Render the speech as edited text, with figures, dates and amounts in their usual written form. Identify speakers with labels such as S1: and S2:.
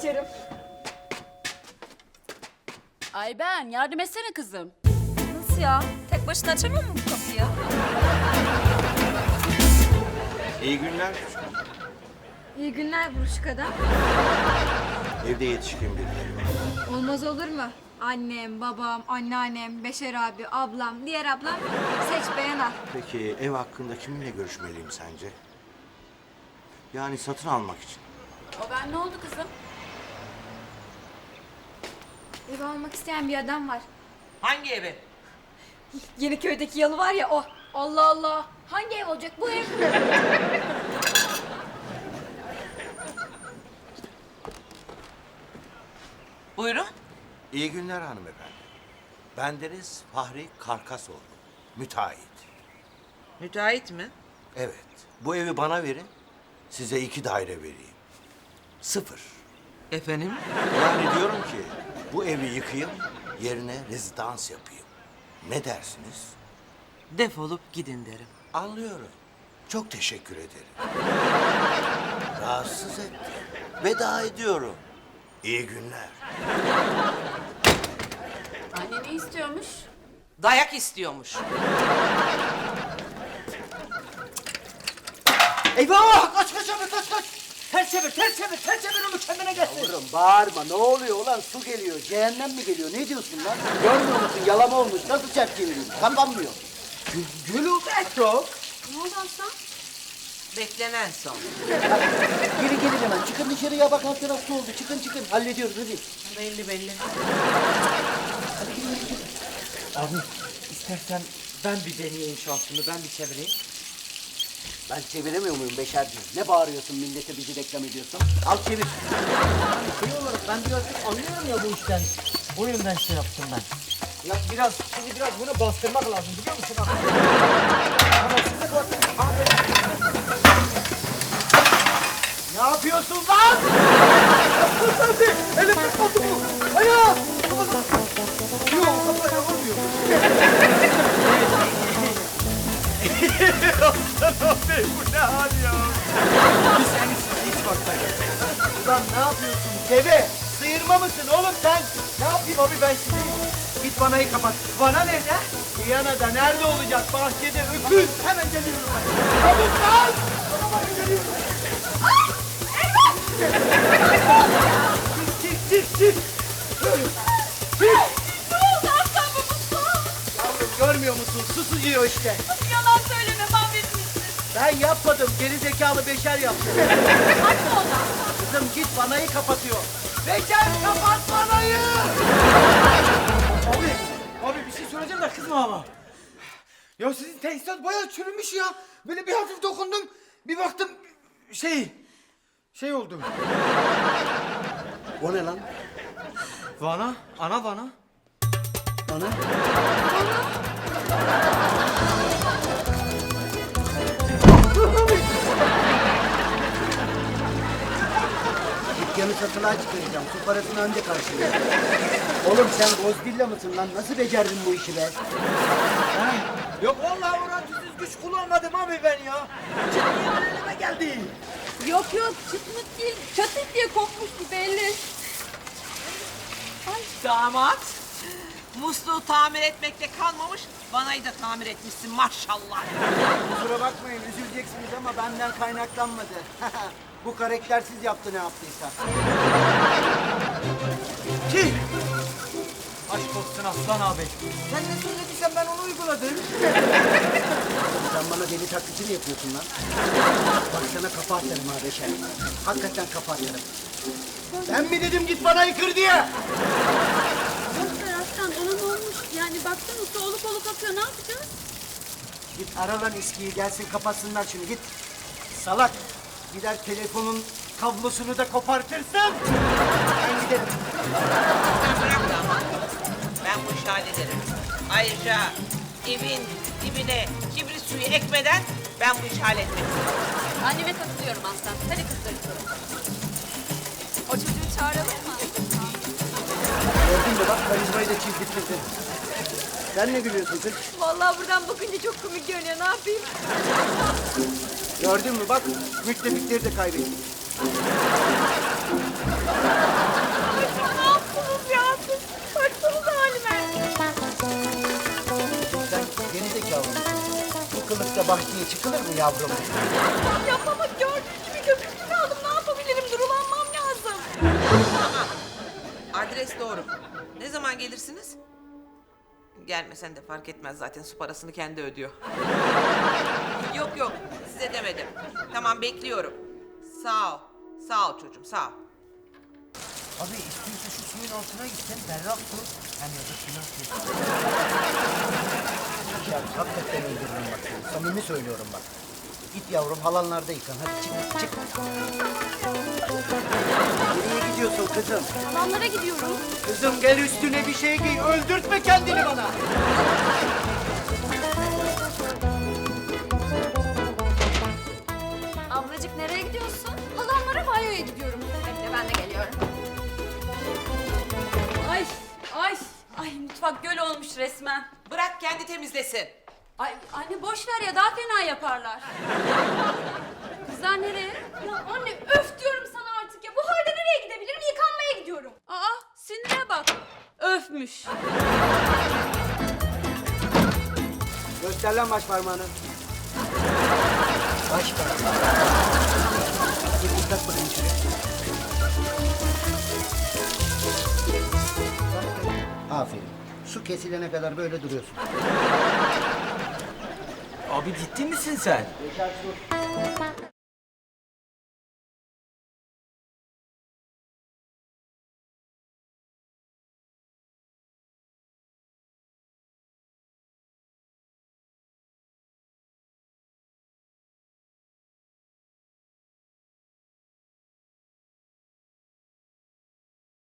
S1: açarım.
S2: Ay ben yardım etsene kızım.
S1: Nasıl ya? Tek başına açamıyor mu bu kapıyı?
S3: İyi günler.
S4: İyi günler buruşuk adam.
S3: Evde yetişkin birileri var.
S4: Olmaz olur mu? Annem, babam, anneannem, Beşer abi, ablam, diğer ablam. Seç beğen al.
S3: Peki ev hakkında kiminle görüşmeliyim sence? Yani satın almak için.
S2: O ben ne oldu kızım?
S4: Ev almak isteyen bir adam var.
S5: Hangi evi?
S4: Yeniköy'deki yalı var ya o. Allah Allah. Hangi ev olacak bu ev?
S5: Buyurun.
S3: İyi günler hanımefendi. Bendeniz Fahri Karkasoğlu. Müteahhit.
S5: Müteahhit mi?
S3: Evet. Bu evi bana verin. Size 2 daire vereyim. 0.
S5: Efendim?
S3: Yani diyorum ki bu evi yıkayım, yerine rezidans yapayım. Ne dersiniz?
S5: Defolup gidin derim.
S3: Anlıyorum. Çok teşekkür ederim. Rahatsız ettim. Veda ediyorum. İyi günler.
S2: Anne ne istiyormuş?
S5: Dayak istiyormuş.
S6: Eyvah! Kaç kaç abi kaç kaç! Ters çevir, ters çevir, ters çevir onu kendine gelsin.
S7: Yavrum bağırma, ne oluyor ulan? Su geliyor, cehennem mi geliyor? Ne diyorsun lan? Görmüyor musun? Yalama olmuş, nasıl çarp çevireyim? Kapanmıyor.
S6: Gülü çok.
S4: Ne oldu aslan?
S5: Beklenen son.
S7: Geri gelin hemen, çıkın dışarıya bak alt taraf su oldu. Çıkın çıkın, hallediyoruz hadi.
S5: Belli belli.
S6: Abi istersen ben bir deneyeyim şansımı, ben bir çevireyim.
S7: Ben çeviremiyor muyum Beşerciğim? Ne bağırıyorsun millete bizi reklam ediyorsun? Al çevir.
S6: Yani şey olarak ben biraz anlıyorum ya bu işten. O yüzden şey yaptım ben. Ya biraz, şimdi biraz bunu bastırmak lazım biliyor musun abi? Ama size bak. Abi. Ne yapıyorsun lan? Yaptın sen. Elim tutmadı bu. Ayağı. Yok kafaya vurmuyor. Abi bu ne hal ya? Biz en iyisi hiç bakmayın. Ulan ne yapıyorsun deve? Sıyırma mısın oğlum sen? Ne yapayım abi ben şimdi? Git vanayı kapat. Vana nerede? Viyana'da nerede olacak? Bahçede öküz. Hemen geliyorum ben. Çabuk lan! Hemen geliyorum. Ay! Eyvah! Çık çık çık! Çık!
S1: Ne oldu aslan babası?
S6: Yavrum görmüyor musun? Su sıcıyor işte.
S1: Yalan söyleme mahvetmişsin.
S6: Ben yapmadım. Geri zekalı Beşer yaptı.
S1: Hadi ona.
S6: Kızım git vanayı kapatıyor. Beşer kapat vanayı! Abi bir şey söyleyeceğim de kızma ama. Ya sizin tesisat bayağı çürümüş ya. Böyle bir hafif dokundum. Bir baktım şey oldu.
S7: O ne lan?
S6: Vana, ana vana.
S7: Ana? Dükkanı satılığa çıkaracağım. Su parasını önce karşılayacağım. Oğlum sen Godzilla mısın lan? Nasıl becerdin bu işi be?
S6: Ha? Yok vallahi orantısız güç kullanmadım abi ben ya. Çıkmayan elime geldi.
S1: Yok yok çıtmıt değil. Çatık diye kopmuştu belli.
S5: Damat. Musluğu tamir etmekte kalmamış, vanayı da tamir etmişsin maşallah.
S7: Kusura bakmayın üzüleceksiniz ama benden kaynaklanmadı. Bu karaktersiz yaptı ne yaptıysa.
S6: Ki. Aşk olsun Aslan abi. Sen ne söylediysen ben onu uyguladım.
S7: Sen bana deli taklidi mi yapıyorsun lan? Bak sana kafa atarım ha Beşer. Hakikaten kafa atarım. Ben mi dedim git bana yıkır diye?
S2: Yoksa Aslan ona ne olmuş? Yani baksana su olup olup akıyor ne yapacağız?
S7: Git ara lan eskiyi gelsin kapatsınlar şunu git. Salak. Gider telefonun kablosunu da kopartırsın. Ben giderim.
S5: Sen bırak damat. Ben bu işi hallederim. Ayrıca evin dibine kibrit suyu ekmeden ben bu işi halletmek istiyorum.
S2: Anneme katılıyorum Aslan. Hadi kızlar.
S1: O çocuğu çağıralım mı?
S7: Gördün mü bak karizmayı da çizdirttirdin. Sen ne gülüyorsun kız?
S1: Vallahi buradan bakınca çok komik görünüyor. Ne yapayım?
S7: Gördün mü bak müttefikleri de kaybettik. Başına bahçeye çıkılır mı yavrum?
S2: Ya baba gördüğün gibi köpüklü kaldım. Ne yapabilirim? Durulanmam lazım.
S5: Adres doğru. Ne zaman gelirsiniz? Gelmesen de fark etmez zaten, su parasını kendi ödüyor. Yok yok, size demedim. Tamam, bekliyorum. Sağ ol. Sağ ol çocuğum, sağ ol.
S7: Abi istiyorsa şu suyun altına gitsen berrak su. Hem ya da suyun altına. Ya hakikaten öldürürüm bak seni. Samimi söylüyorum bak. Git yavrum halanlarda yıkan. Hadi çık. Nereye gidiyorsun kızım?
S2: Halamlara gidiyorum.
S7: Kızım gel üstüne bir şey giy. Öldürtme kendini bana.
S4: Ablacık nereye gidiyorsun? Halamlara banyoya gidiyorum. Bekle ben de geliyorum.
S2: Ay mutfak göl olmuş resmen.
S5: Bırak kendi temizlesin.
S2: Ay anne boş ver ya daha fena yaparlar. Kızlar nereye?
S1: Ya anne öf diyorum sana artık ya. Bu halde nereye gidebilirim? Yıkanmaya gidiyorum.
S2: Aa sinire bak. Öfmüş.
S7: Göster lan baş parmağını. Baş parmağını. Bir dikkat bakayım şuraya. Aferin. Su kesilene kadar böyle duruyorsun.
S6: Abi ciddi misin sen?
S7: Yaşar su.